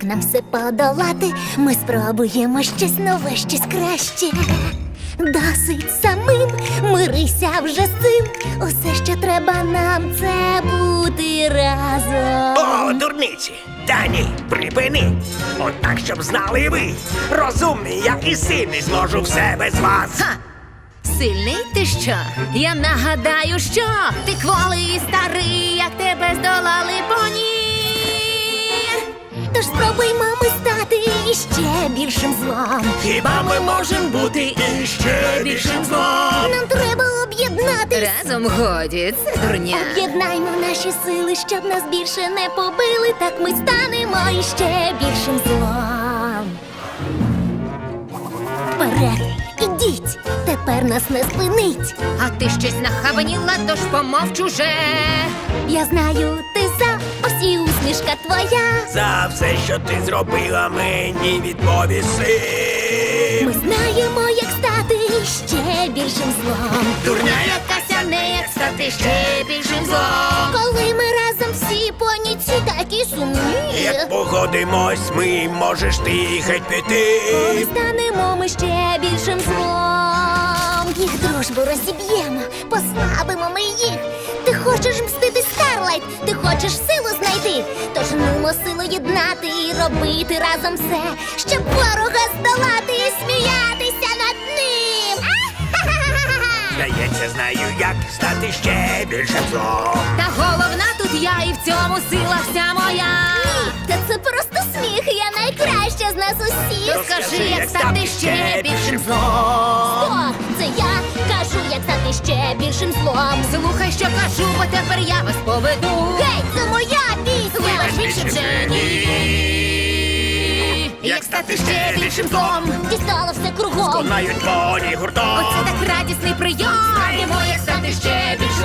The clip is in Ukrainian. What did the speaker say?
нам все подолати, ми спробуємо щось нове, щось краще. Досить самим, мирися вже з цим. Усе, що треба нам, це бути разом. О, дурниці! Та ні, припини! От так, щоб знали ви. Розумний я і сильний, зможу все без вас. Ха! Сильний ти що? Я нагадаю, що ти кволий і старий, як тебе здолали поні. Тож спробуймо ми стати іще більшим злом. Хіба ми можемо бути іще більшим злом? Нам треба об'єднатись. Разом годі, це дурня. Об'єднаймо наші сили, щоб нас більше не побили. Так ми станемо іще більшим злом. Вперед, ідіть, тепер нас не спинить. А ти щось нахабаніла, тож помовч уже. Я знаю, ти за, ось і усмішка твоя. За все, що ти зробила, мені відповіси. Ми знаємо, як стати іще більшим злом. Дурня Якася не як стати ще більшим злом. Коли ми разом всі поніці такі сумні. Як погодимось, ми можеш ти геть піти. Коли станемо ми ще більшим злом. Їх дружбу розіб'ємо, послабимо ми їх. Ти хочеш мстити, Старлайт, ти хочеш силу знайти. Тож нумо силу єднати і робити разом все, щоб ворога здолати і сміятися над ним. Здається, знаю, як стати ще більшим злом. Та головна тут я, і в цьому сила вся моя. Та це просто сміх, я найкраща з нас усіх. Розкажи, як стати ще більшим злом. О, це я кажу, як стати ще більшим злом. Слухай, що кажу, бо тепер я вас поведу. Гей, це моя пісня! Вибач, більше вже ні. Як стати ще більшим злом. Дістало все кругом. Конають поні гуртом. Оце так радісний прийом. Знаємо, як стати ще більшим